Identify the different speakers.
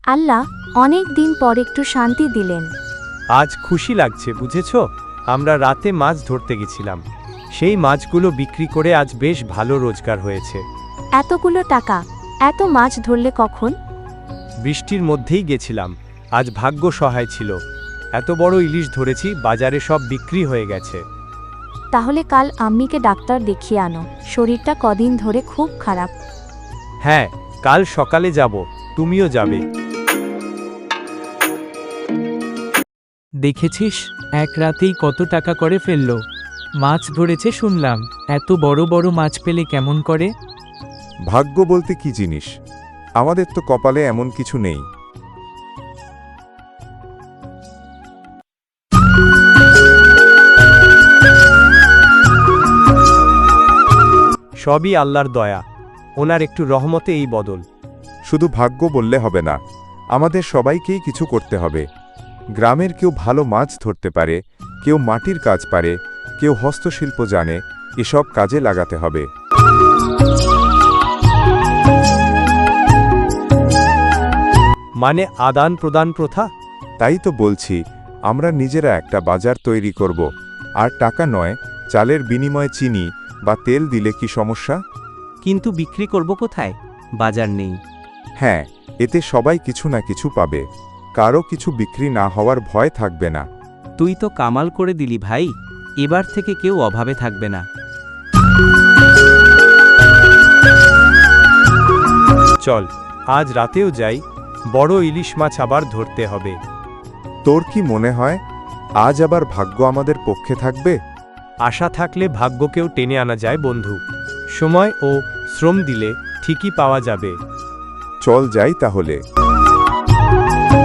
Speaker 1: আল্লাহ অনেক দিন পর একটু শান্তি দিলেন।
Speaker 2: আজ খুশি লাগছে বুঝেছ, আমরা রাতে মাছ ধরতে গেছিলাম, সেই মাছগুলো বিক্রি করে আজ বেশ ভালো রোজগার হয়েছে।
Speaker 1: এতগুলো টাকা, এত মাছ ধরলে কখন?
Speaker 2: বৃষ্টির মধ্যেই গেছিলাম, আজ ভাগ্য সহায় ছিল। এত বড় ইলিশ ধরেছি, বাজারে সব বিক্রি হয়ে গেছে।
Speaker 1: তাহলে কাল আম্মিকে ডাক্তার দেখিয়ে আনো, শরীরটা কদিন ধরে খুব খারাপ।
Speaker 2: হ্যাঁ, কাল সকালে যাব, তুমিও যাবে।
Speaker 3: দেখেছিস এক রাতেই কত টাকা করে ফেললো। মাছ ধরেছে শুনলাম, এত বড় বড় মাছ পেলে কেমন করে?
Speaker 4: ভাগ্য বলতে কি জিনিস, আমাদের তো কপালে এমন কিছু নেই।
Speaker 2: সবই আল্লাহর দয়া, ওনার একটু রহমতে এই বদল।
Speaker 4: শুধু ভাগ্য বললে হবে না, আমাদের সবাইকেই কিছু করতে হবে। গ্রামের কেউ ভালো মাছ ধরতে পারে, কেউ মাটির কাজ পারে, কেউ হস্তশিল্প জানে, এসব কাজে লাগাতে হবে।
Speaker 2: মানে আদান প্রদান প্রথা?
Speaker 4: তাই তো বলছি, আমরা নিজেরা একটা বাজার তৈরি করব, আর টাকা নয়, চালের বিনিময়ে চিনি বা তেল দিলে কি সমস্যা?
Speaker 5: কিন্তু বিক্রি করব কোথায়? বাজার নেই।
Speaker 4: হ্যাঁ, এতে সবাই কিছু না কিছু পাবে, কারো কিছু বিক্রি না হওয়ার ভয় থাকবে না।
Speaker 5: তুই তো কামাল করে দিলি ভাই, এবার থেকে কেউ অভাবে থাকবে না।
Speaker 2: চল, আজ রাতেও যাই, বড় ইলিশ মাছ আবার ধরতে হবে।
Speaker 4: তোর কি মনে হয় আজ আবার ভাগ্য আমাদের পক্ষে থাকবে?
Speaker 2: আশা থাকলে ভাগ্যকেও টেনে আনা যায় বন্ধু। সময় ও শ্রম দিলে ঠিকই পাওয়া যাবে।
Speaker 4: চল যাই তাহলে।